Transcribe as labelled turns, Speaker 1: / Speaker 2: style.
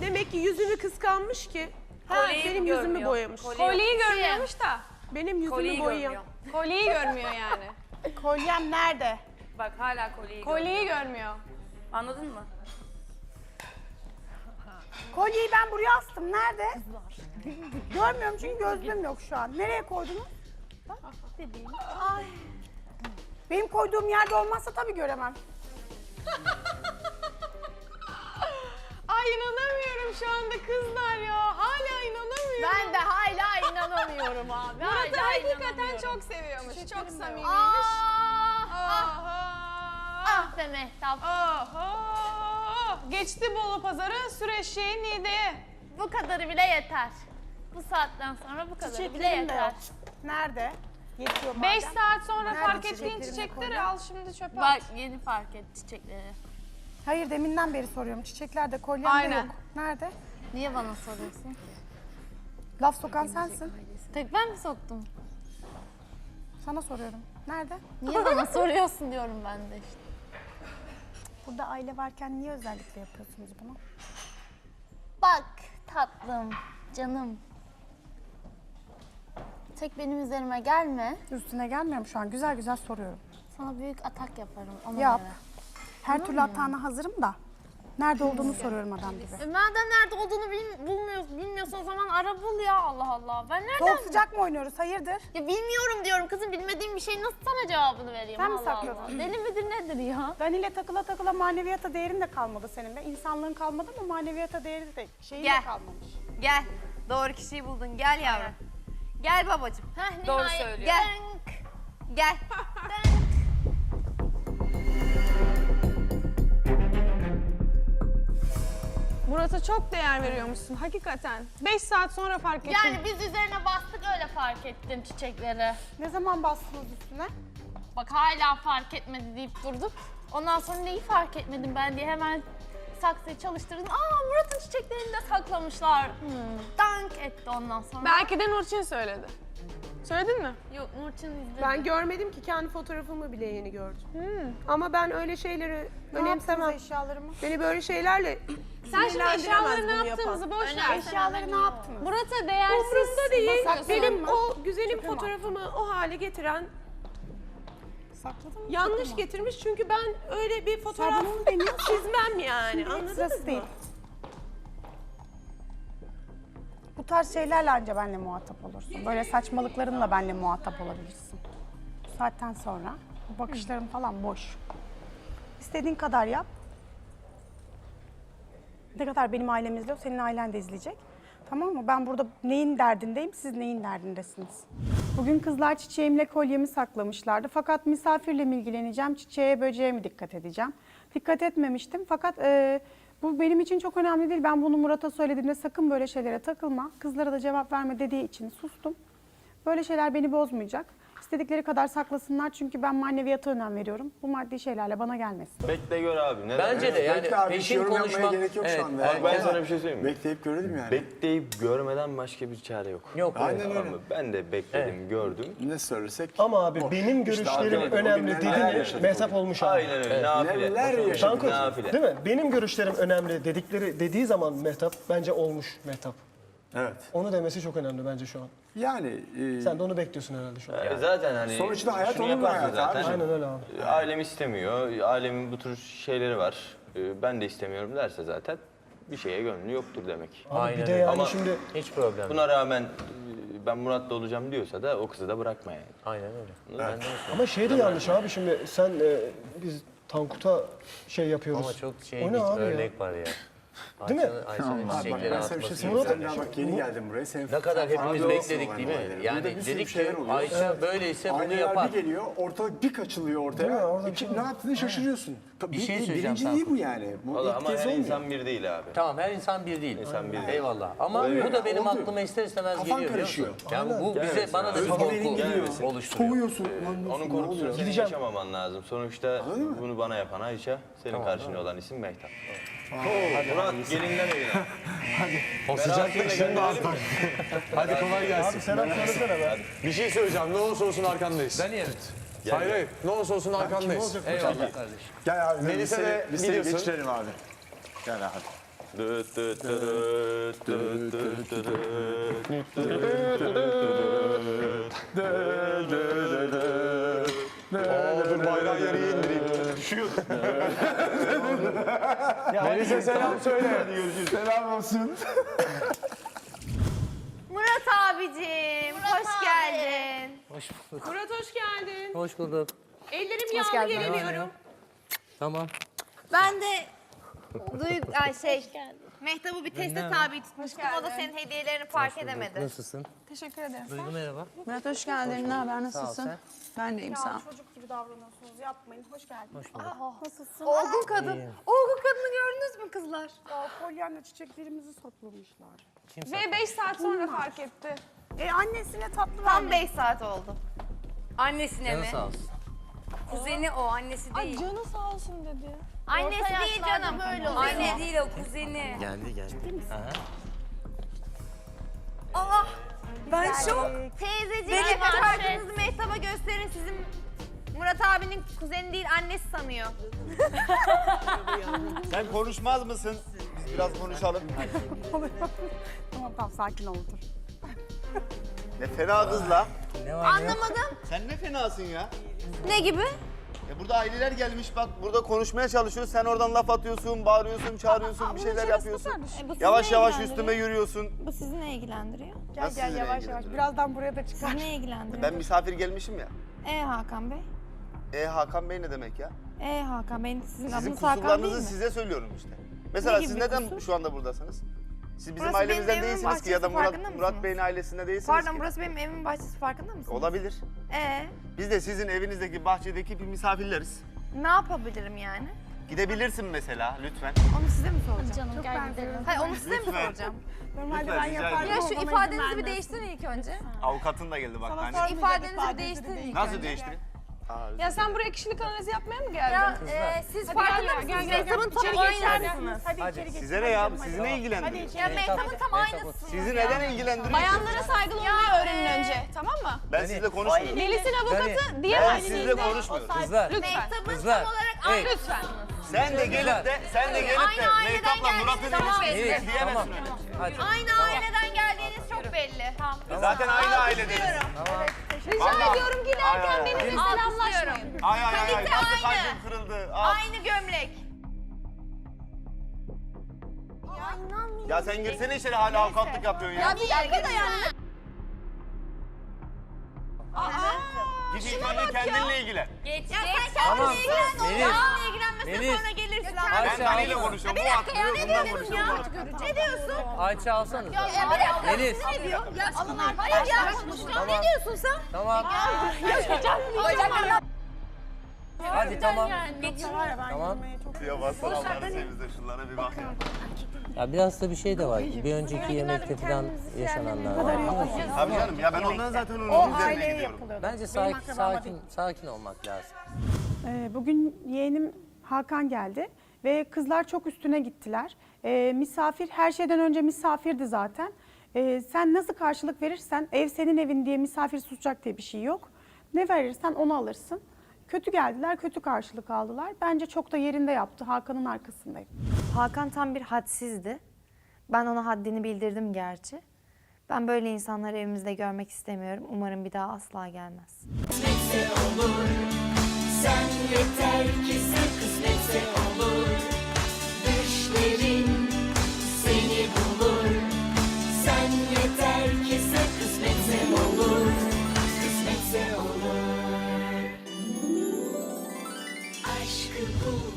Speaker 1: Demek ki yüzümü kıskanmış ki.
Speaker 2: Kolyeyi
Speaker 1: benim
Speaker 2: görmüyor.
Speaker 1: yüzümü boyamış.
Speaker 3: Kolyeyi görmüyormuş da.
Speaker 1: Benim yüzümü
Speaker 2: Kolyeyi
Speaker 1: boyayan.
Speaker 2: görmüyor.
Speaker 3: Kolyeyi görmüyor yani.
Speaker 4: Kolyem nerede?
Speaker 2: Bak hala kolyeyi görmüyor.
Speaker 3: Kolyeyi görmüyor.
Speaker 2: Anladın mı?
Speaker 4: Kolyeyi ben buraya astım. Nerede? Görmüyorum çünkü gözlüğüm yok şu an. Nereye koydunuz? Ay. Benim koyduğum yerde olmazsa tabii göremem.
Speaker 3: Ay inanamıyorum şu anda kızlar ya. Hala inanamıyorum.
Speaker 5: Ben de hala inanamıyorum abi.
Speaker 3: Murat'ı
Speaker 5: Hala
Speaker 3: hakikaten
Speaker 5: inanamıyorum.
Speaker 3: çok seviyormuş. Çok samimiymiş.
Speaker 5: Ah, ah be Mehtap.
Speaker 3: Oho! Geçti Bolu Pazarı, Süreşşehir Niğde'ye.
Speaker 5: Bu kadarı bile yeter. Bu saatten sonra bu kadarı bile
Speaker 4: Çiçeklerim de
Speaker 5: yeter.
Speaker 4: yok. Nerede? Yetiyor
Speaker 3: 5
Speaker 4: madem.
Speaker 3: saat sonra
Speaker 4: Nerede
Speaker 3: fark ettiğin
Speaker 4: çiçeklerimi
Speaker 3: çiçekleri
Speaker 4: koyacağım?
Speaker 3: al şimdi çöpe
Speaker 5: Bak
Speaker 3: at.
Speaker 5: yeni fark et çiçekleri.
Speaker 4: Hayır deminden beri soruyorum. Çiçeklerde kolyem de
Speaker 3: Aynen.
Speaker 4: yok. Nerede?
Speaker 5: Niye bana soruyorsun?
Speaker 4: Laf sokan sensin.
Speaker 5: Tek ben mi soktum?
Speaker 4: Sana soruyorum. Nerede?
Speaker 5: Niye bana soruyorsun diyorum ben de işte.
Speaker 4: Burada aile varken niye özellikle yapıyorsunuz bunu?
Speaker 5: Bak tatlım, canım. Tek benim üzerime gelme.
Speaker 4: Üstüne gelmiyorum şu an. Güzel güzel soruyorum.
Speaker 5: Sana büyük atak yaparım ona
Speaker 4: Yap.
Speaker 5: göre.
Speaker 4: Her türlü hatana hazırım da. Nerede olduğunu soruyorum adam gibi.
Speaker 5: Madem nerede olduğunu bilmiyorsun o zaman ara bul ya Allah Allah. Ben nereden
Speaker 4: Soğuk sıcak mı oynuyoruz? Hayırdır?
Speaker 5: Ya bilmiyorum diyorum kızım bilmediğim bir şeyin nasıl sana cevabını vereyim
Speaker 4: Sen mi
Speaker 5: Allah
Speaker 4: saklıyorsun?
Speaker 5: Allah. Deli midir nedir ya?
Speaker 4: Dani'yle takıla takıla maneviyata değerin de kalmadı senin be. İnsanlığın kalmadı ama maneviyata değeri de şeyin
Speaker 2: Gel.
Speaker 4: de kalmamış.
Speaker 2: Gel. Doğru kişiyi buldun. Gel yavrum. Gel babacığım.
Speaker 5: Heh,
Speaker 2: Doğru
Speaker 5: nihayet.
Speaker 2: söylüyor.
Speaker 5: Denk.
Speaker 2: Gel.
Speaker 3: Murat'a çok değer veriyormuşsun hakikaten. 5 saat sonra fark ettim.
Speaker 5: Yani biz üzerine bastık öyle fark ettin çiçekleri.
Speaker 4: Ne zaman bastınız üstüne?
Speaker 5: Bak hala fark etmedi deyip durduk. Ondan sonra neyi fark etmedim ben diye hemen saksıyı çalıştırdın. Aa Murat'ın çiçeklerini de saklamışlar. Dank etti ondan sonra.
Speaker 3: Belki de Nurçin söyledi. Söyledin mi?
Speaker 5: Yok Nurçin izledi.
Speaker 1: Ben görmedim ki kendi fotoğrafımı bile yeni gördüm. Ama ben öyle şeyleri önemsemem.
Speaker 4: Eşyalarımı.
Speaker 1: Beni böyle şeylerle
Speaker 3: Sen şimdi
Speaker 1: sinirlendiremez
Speaker 3: eşyaları
Speaker 1: bunu
Speaker 3: ne
Speaker 1: yapan.
Speaker 3: yaptığımızı boş ver.
Speaker 5: Önemli.
Speaker 4: Eşyaları ne yaptınız?
Speaker 3: Murat'a değersiz.
Speaker 1: Umurumda değil.
Speaker 4: Sakladın
Speaker 1: Benim
Speaker 4: mı?
Speaker 1: o güzelim
Speaker 4: Çöpe mi
Speaker 1: fotoğrafımı o hale getiren
Speaker 4: Sakladın mı?
Speaker 1: yanlış getirmiş. Çünkü ben öyle bir fotoğraf
Speaker 4: bunu deniyorsun.
Speaker 1: çizmem yani. Anladınız
Speaker 4: Sırası
Speaker 1: mı?
Speaker 4: değil. Bu tarz şeylerle anca benimle muhatap olursun. Böyle saçmalıklarınla benimle muhatap olabilirsin. Bu saatten sonra bu bakışlarım falan boş. İstediğin kadar yap. Ne kadar benim ailem izliyor, senin ailen de izleyecek. Tamam mı? Ben burada neyin derdindeyim, siz neyin derdindesiniz? Bugün kızlar çiçeğimle kolyemi saklamışlardı. Fakat misafirle mi ilgileneceğim, çiçeğe böceğe mi dikkat edeceğim? Dikkat etmemiştim. Fakat bu benim için çok önemli değil. Ben bunu Murat'a söylediğimde sakın böyle şeylere takılma. Kızlara da cevap verme dediği için sustum. Böyle şeyler beni bozmayacak. İstedikleri kadar saklasınlar çünkü ben maneviyata önem veriyorum. Bu maddi şeylerle bana gelmesin.
Speaker 6: Bekle gör abi. Neden?
Speaker 7: Bence de yani
Speaker 8: Bekle abi,
Speaker 7: peşin
Speaker 8: yorum yapmaya
Speaker 7: konuşmak.
Speaker 8: gerek yok şu anda.
Speaker 6: Abi ben sana bir şey söyleyeyim mi?
Speaker 8: Bekleyip görelim yani.
Speaker 6: Bekleyip görmeden başka bir çare yok.
Speaker 7: Yok.
Speaker 8: Aynen
Speaker 7: evet.
Speaker 8: öyle.
Speaker 6: Tamam mı? Ben de bekledim, gördüm.
Speaker 8: Ne söylesek?
Speaker 9: Ama abi
Speaker 8: boş.
Speaker 9: benim
Speaker 8: İşte
Speaker 9: görüşlerim
Speaker 8: abi, o
Speaker 9: önemli
Speaker 8: günler
Speaker 9: dedi
Speaker 8: neler
Speaker 9: mi
Speaker 8: yaşadık
Speaker 9: Mehtap
Speaker 8: o gün.
Speaker 9: olmuş abi.
Speaker 6: Aynen öyle. Nafile.
Speaker 8: Neler yaşadık.
Speaker 9: Cankut,
Speaker 6: Nafile.
Speaker 9: değil mi? Benim görüşlerim önemli dediği zaman Mehtap bence olmuş Mehtap.
Speaker 8: Evet.
Speaker 9: Onu demesi çok önemli bence şu an.
Speaker 8: Yani
Speaker 9: Sen de onu bekliyorsun herhalde şu an.
Speaker 6: Zaten hani
Speaker 8: Sonuçta hayat
Speaker 6: şunu
Speaker 8: onun
Speaker 6: yaparsın
Speaker 8: hayatı
Speaker 6: zaten.
Speaker 8: abiciğim.
Speaker 9: Aynen öyle abi.
Speaker 6: Ailem istemiyor, ailemin bu tür şeyleri var. Ben de istemiyorum derse zaten bir şeye gönlü yoktur demek.
Speaker 9: Abi
Speaker 7: Aynen
Speaker 9: bir de
Speaker 7: öyle.
Speaker 9: yani
Speaker 6: Ama-
Speaker 9: şimdi
Speaker 7: Hiç problem yok.
Speaker 6: Buna rağmen ben Murat'la olacağım diyorsa da o kızı da bırakma yani.
Speaker 7: Aynen öyle. Ben de
Speaker 9: ama şey de yanlış abi şimdi sen biz Tankut'a şey yapıyoruz.
Speaker 7: ama çok şey
Speaker 9: O
Speaker 7: bir
Speaker 9: ne abi ya?
Speaker 7: örnek var ya.
Speaker 9: Değil mi?
Speaker 7: Ayşe'nin
Speaker 8: Abi bak
Speaker 7: çiçekleri
Speaker 8: ben sana bir şey
Speaker 7: atması.
Speaker 8: söyleyeyim. Sen daha bak yeni geldin buraya. Sen,
Speaker 7: Ne kadar
Speaker 8: sen
Speaker 7: hepimiz
Speaker 8: farkında
Speaker 7: bekledik
Speaker 8: olsun
Speaker 7: değil
Speaker 8: olan
Speaker 7: mi?
Speaker 8: olayları.
Speaker 7: Yani
Speaker 8: Burada bir sürü
Speaker 7: dedik
Speaker 8: şeyler
Speaker 7: ki
Speaker 8: oluyor.
Speaker 7: Ayşe böyleyse bunu
Speaker 8: Aileler
Speaker 7: yapar.
Speaker 8: bir geliyor, ortalık bir kaçılıyor
Speaker 9: Değil mi?
Speaker 8: ortaya.
Speaker 9: Orada bir şey
Speaker 8: Ne yaptığını şaşırıyorsun.
Speaker 7: Bir şey söyleyeceğim
Speaker 8: Birinci değil bu yani. Bu
Speaker 6: Vallahi
Speaker 8: ilk
Speaker 6: ama
Speaker 8: kez
Speaker 6: her
Speaker 8: olmuyor.
Speaker 6: insan bir değil abi.
Speaker 7: Tamam her insan bir değil.
Speaker 6: İnsan bir değil.
Speaker 7: Eyvallah. Ama
Speaker 8: Öyle
Speaker 7: bu da benim
Speaker 8: oldu.
Speaker 7: aklıma ister istemez
Speaker 8: Kafan
Speaker 7: geliyor biliyor musun?
Speaker 8: karışıyor.
Speaker 7: Yani bu bize bana da bir
Speaker 8: Özgüvenin
Speaker 7: korku
Speaker 8: gidiyor.
Speaker 7: oluşturuyor.
Speaker 8: Soğuyorsun. Lan diyorsun,
Speaker 6: Onun
Speaker 8: ne
Speaker 6: korkusunu
Speaker 8: oluyor?
Speaker 6: senin yaşamaman lazım. Sonuçta
Speaker 8: mı?
Speaker 6: bunu bana yapan Ayşe, senin karşında olan isim Mehtap. Murat gelinden evine.
Speaker 10: O sıcakta şimdi artar. Hadi kolay gelsin.
Speaker 9: Abi selam söylesene be.
Speaker 10: Bir şey söyleyeceğim. Ne olursa olsun arkandayız.
Speaker 7: Ben yerim.
Speaker 10: Hayır hayır. Ne olursa olsun arkandayız.
Speaker 7: Eyvallah kardeşim.
Speaker 8: Gel abi.
Speaker 10: Melisa
Speaker 8: biz
Speaker 10: de
Speaker 8: seni
Speaker 10: biliyorsun.
Speaker 8: geçirelim abi. Gel abi.
Speaker 6: Dıt dıt dıt.
Speaker 10: Dur bayrağı yarıya indireyim. Düşüyor.
Speaker 9: Melis'e selam söyle.
Speaker 10: Hadi görüşürüz. Selam olsun.
Speaker 2: Murat abicim, hoş geldin.
Speaker 7: Hoş bulduk.
Speaker 1: Murat hoş geldin.
Speaker 7: Hoş bulduk.
Speaker 1: Ellerim yağlı gelemiyorum.
Speaker 7: Tamam.
Speaker 2: Ben de Mehtap'ı bir teste tabi tutmuştum. O da senin hediyelerini fark edemedi.
Speaker 7: Nasılsın?
Speaker 3: Teşekkür ederim.
Speaker 7: Duygu merhaba.
Speaker 3: Murat hoş geldin. Ne haber? Nasılsın?
Speaker 7: sen?
Speaker 3: Ben de iyiyim sağ ol.
Speaker 4: Çocuk gibi davranıyorsunuz. Yapmayın. Hoş geldiniz.
Speaker 7: Hoş bulduk.
Speaker 4: Nasılsın?
Speaker 2: Olgun kadın. Olgun kadını gördünüz mü kızlar?
Speaker 4: Polyanla çiçeklerimizi saklamışlar.
Speaker 7: Kim
Speaker 3: Ve 5 saat sonra fark etti.
Speaker 4: Annesine tatlı
Speaker 2: Tam 5 saat oldu. Annesine
Speaker 7: Canı
Speaker 2: mi?
Speaker 7: sağ olsun.
Speaker 2: Kuzeni o, annesi değil.
Speaker 3: Canı sağ olsun dedi.
Speaker 2: Annesi değil canım. Böyle Anne değil o, kuzeni.
Speaker 7: Geldi. Aha.
Speaker 2: Aa, ben şok. Teyzeciğim,
Speaker 5: Benim
Speaker 2: kartınızı Mehtap'a gösterin. Sizin Murat abinin kuzeni değil, annesi sanıyor.
Speaker 10: Sen konuşmaz mısın? Biz biraz konuşalım.
Speaker 4: Tamam sakin ol otur.
Speaker 10: Ne fena kızla.
Speaker 7: Ne var ne yok?
Speaker 2: Anlamadım.
Speaker 10: Sen ne fenasın ya?
Speaker 2: Ne gibi?
Speaker 10: Burada aileler gelmiş bak burada konuşmaya çalışıyoruz. Sen oradan laf atıyorsun, bağırıyorsun, çağırıyorsun, bir şeyler yapıyorsun. Yavaş yavaş üstüme yürüyorsun.
Speaker 2: Bu sizi ne ilgilendiriyor?
Speaker 4: Gel
Speaker 10: Nasıl
Speaker 4: gel
Speaker 10: sizi
Speaker 4: yavaş yavaş.
Speaker 10: ilgilendiriyor?
Speaker 4: Birazdan buraya da çıkar.
Speaker 2: Sizi ne ilgilendiriyor?
Speaker 10: Ben misafir gelmişim ya.
Speaker 2: Hakan Bey.
Speaker 10: Hakan Bey ne demek ya?
Speaker 2: Hakan Bey, sizin
Speaker 10: Sizin
Speaker 2: adınız Hakan değil
Speaker 10: kusurlarınızı
Speaker 2: mi?
Speaker 10: size söylüyorum işte. Mesela
Speaker 2: gibi
Speaker 10: siz
Speaker 2: bir
Speaker 10: neden
Speaker 2: kusur?
Speaker 10: şu anda buradasınız? Siz bizim
Speaker 2: Burası benim
Speaker 10: ailemizden
Speaker 2: evimin
Speaker 10: değilsiniz ki ya da
Speaker 2: bahçesi, farkında
Speaker 10: Murat
Speaker 2: mısınız?
Speaker 10: Bey'in ailesinde değilsiniz
Speaker 2: Pardon,
Speaker 10: ki.
Speaker 2: burası benim evimin bahçesi, farkında mısınız?
Speaker 10: Olabilir. Biz de sizin evinizdeki bahçedeki bir misafirleriz.
Speaker 2: Ne yapabilirim yani?
Speaker 10: Gidebilirsin mesela lütfen.
Speaker 2: Onu size mi soracağım?
Speaker 5: Canım gel gidelim.
Speaker 2: Hayır, onu size mi
Speaker 10: Lütfen.
Speaker 2: soracağım?
Speaker 4: Normalde
Speaker 10: Lütfen,
Speaker 4: ben
Speaker 10: rica
Speaker 4: yapardım
Speaker 10: ederim.
Speaker 2: Ya şu
Speaker 4: ama bana
Speaker 2: ifadenizi
Speaker 4: izin
Speaker 2: bir
Speaker 4: vermez.
Speaker 2: değiştirin ilk önce.
Speaker 10: Avukatın da geldi bak.
Speaker 4: Sana
Speaker 10: ben.
Speaker 4: sormayacak,
Speaker 2: İfadenizi bir
Speaker 4: ifadenizi
Speaker 2: değiştirin ilk
Speaker 10: Nasıl
Speaker 2: önce.
Speaker 10: değiştirin?
Speaker 3: Ya sen buraya kişilik analizi yapmaya mı geldin?
Speaker 2: Ya siz farkında
Speaker 3: gel,
Speaker 2: mısınız?
Speaker 3: gel, gel.
Speaker 2: Mehtap'ın tam aynısınız.
Speaker 4: Hadi
Speaker 7: Hadi.
Speaker 4: içeri geç.
Speaker 10: Size ne ya? Sizi ne ilgilendiriyor?
Speaker 2: Ya Mehtap'ın tam aynısınız.
Speaker 10: Sizi neden ilgilendiriyor?
Speaker 3: Bayanlara saygılı olmayı öğrenin önce. Tamam mı?
Speaker 10: Ben sizle konuşmuyorum.
Speaker 3: Melis'in avukatı
Speaker 10: Ben
Speaker 3: diyemezsiniz.
Speaker 10: sizle konuşmuyorum.
Speaker 7: Kızlar.
Speaker 2: Mehtap'ın
Speaker 7: Kızlar.
Speaker 2: tam olarak
Speaker 7: Hey.
Speaker 2: aynı.
Speaker 3: Lütfen.
Speaker 10: Sen de gelip de
Speaker 2: Aynı aileden
Speaker 10: Mehtap'la Murat'ın
Speaker 2: geldiğiniz çok
Speaker 10: ilişkisini
Speaker 2: belli.
Speaker 10: diyemezsin
Speaker 7: Tamam.
Speaker 10: öyle.
Speaker 7: Hadi.
Speaker 2: Aynı aileden geldiğiniz çok belli. Tamam.
Speaker 10: Zaten aynı ailedeniz.
Speaker 3: Rica ediyorum giderken
Speaker 10: Ay,
Speaker 3: benimle
Speaker 2: ay.
Speaker 3: selamlaşmayın.
Speaker 10: Ay ay ay
Speaker 2: Kalite
Speaker 10: nasıl
Speaker 2: aynı.
Speaker 10: kalbim kırıldı. Ah.
Speaker 2: Aynı gömlek.
Speaker 10: Ya sen girsene içeri hala avukatlık yapıyorsun ya.
Speaker 2: Ya bir dakika da yani.
Speaker 10: Git ilk önce kendinle ilgilen.
Speaker 2: Geç. Ya sen
Speaker 7: Tamam.
Speaker 2: kendine ilgilen.
Speaker 7: Melis.
Speaker 2: Onunla ilgilenmesine
Speaker 7: Melis.
Speaker 2: sonra gelirsin.
Speaker 10: Ben
Speaker 7: Ayça
Speaker 10: Dani'yle
Speaker 7: al.
Speaker 10: konuşuyorum.
Speaker 2: Bir
Speaker 10: Bu
Speaker 2: dakika ya,
Speaker 10: atlıyor
Speaker 2: ne
Speaker 10: bundan
Speaker 2: diyorsun
Speaker 10: konuşuyorum.
Speaker 2: ya?
Speaker 10: bu atlıyor.
Speaker 2: Ne diyorsun?
Speaker 7: Ayça alsanız.
Speaker 2: Ya bir dakika.
Speaker 7: Melis.
Speaker 2: Ne diyor? Ya hayır ya. Ne diyorsun sen?
Speaker 7: Tamam. Hadi tamam. Tamam.
Speaker 10: Ya baksana Allah'ını seveyim şunlara bir bak ya.
Speaker 7: Ya biraz da bir şey de var. Bir önceki yemekte falan yaşananlar var. biliyor musun?
Speaker 10: Tabii canım ya ben ondan zaten onun üzerine
Speaker 4: Aileye
Speaker 10: gidiyorum.
Speaker 4: yapılıyordu.
Speaker 7: Bence sakin olmak lazım.
Speaker 4: Bugün yeğenim Hakan geldi ve kızlar çok üstüne gittiler. Misafir her şeyden önce misafirdi zaten. Sen nasıl karşılık verirsen ev senin evin diye misafir susacak diye bir şey yok. Ne verirsen onu alırsın. Kötü geldiler, kötü karşılık aldılar. Bence çok da yerinde yaptı. Hakan'ın arkasındayım.
Speaker 11: Hakan tam bir hadsizdi. Ben ona haddini bildirdim gerçi. Ben böyle insanları evimizde görmek istemiyorum. Umarım bir daha asla gelmez.
Speaker 12: Kısmetse olur, sen yeter ki sen kısmetse olur. Düşlerin seni bulur, sen yeter ki sen kısmetse olur. Kısmetse olur. Aşkı bul.